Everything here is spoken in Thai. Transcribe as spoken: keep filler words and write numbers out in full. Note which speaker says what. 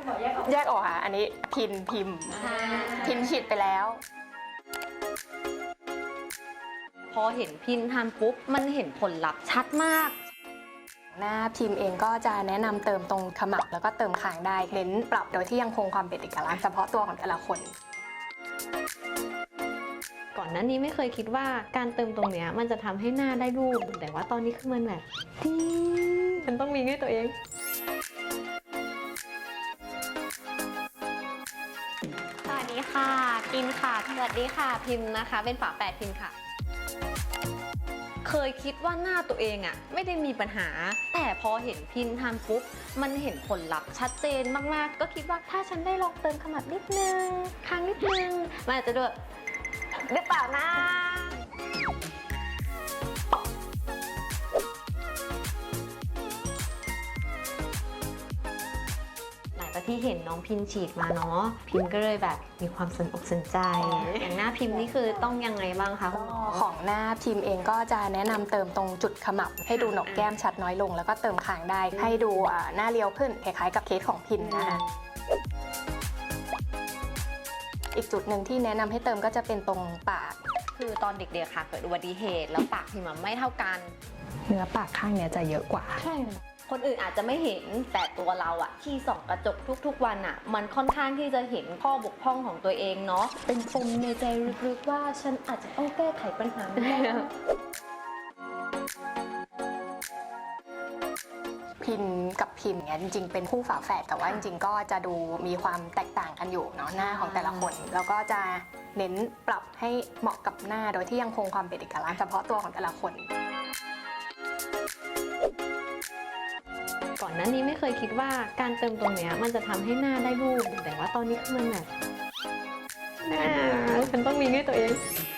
Speaker 1: คุณหมอแยกออก
Speaker 2: แยกออกค่ะอันนี้พินพิมพ์พินฉีดไปแล้ว
Speaker 3: พอเห็นพินทำปุ๊บมันเห็นผลลัพธ์ชัดมาก
Speaker 2: หน้าพิมพ์เองก็จะแนะนำเติมตรงขมับแล้วก็เติมคางได้เน้นปรับโดยที่ยังคงความเป็นเอกลักษณ์เฉพาะตัวของแต่ละคน
Speaker 3: ก่อนหน้านี้ไม่เคยคิดว่าการเติมตรงเนี้ยมันจะทำให้หน้าได้รูปแต่ว่าตอนนี้คือมันแบบดีมันต้องมีด้วยตัวเองสวัสดีค่ะพิมค่ะสวัสดีค่ะพิมนะคะเป็นฝาแฝดพิมค่ะเคยคิดว่าหน้าตัวเองอะไม่ได้มีปัญหาแต่พอเห็นพินทำปุ๊บมันเห็นผลลัพธ์ชัดเจนมากๆก็คิดว่าถ้าฉันได้ลองเติมขมับนิดนึงคางนิดนึงมันอาจจะด้วยหรือเปล่านะหลังจากที่เห็นน้องพิมฉีดมาเนาะพิมก็เลยแบบมีความสนอกสนใจอย่างหน้าพิมนี่คือต้องยังไงบ้างคะคุณหมอ
Speaker 2: ของหน้าพิมเองก็จะแนะนำเติมตรงจุดขมับให้ดูหนกแก้มชัดน้อยลงแล้วก็เติมคางได้ให้ดูหน้าเรียวขึ้นคล้ายๆกับเคสของพิมนะคะอีกจุดหนึ่งที่แนะนำให้เติมก็จะเป็นตรงปาก
Speaker 3: คือตอนเด็กๆค่ะเกิดอุบัติเหตุแล้วปากพิมไม่เท่ากัน
Speaker 2: เนื้อปากข้างเนี้ยจะเยอะกว่า
Speaker 3: ใช่คนอื่นอาจจะไม่เห็นแต่ตัวเราอะที่ส่องกระจกทุกๆวันอะมันค่อนข้างที่จะเห็นข้อบกพร่องของตัวเองเนาะเป็นปมในใจลึกๆว่าฉันอาจจะต้องแก้ไขปัญหา
Speaker 2: พินกับพิมเนี่ยจริงๆเป็นคู่ฝาแฝดแต่ว่าจริงๆก็จะดูมีความแตกต่างกันอยู่เนาะหน้าของแต่ละคนแล้วก็จะเน้นปรับให้เหมาะกับหน้าโดยที่ยังคงความเป็นเอกลักษณ์เฉพาะตัวของแต่ละคน
Speaker 3: ก่อนหน้านี้ไม่เคยคิดว่าการเติมตรงเนี้ยมันจะทำให้หน้าได้รูปแต่ว่าตอนนี้คือมันแบบหน้าฉันต้องมีด้วยตัวเอง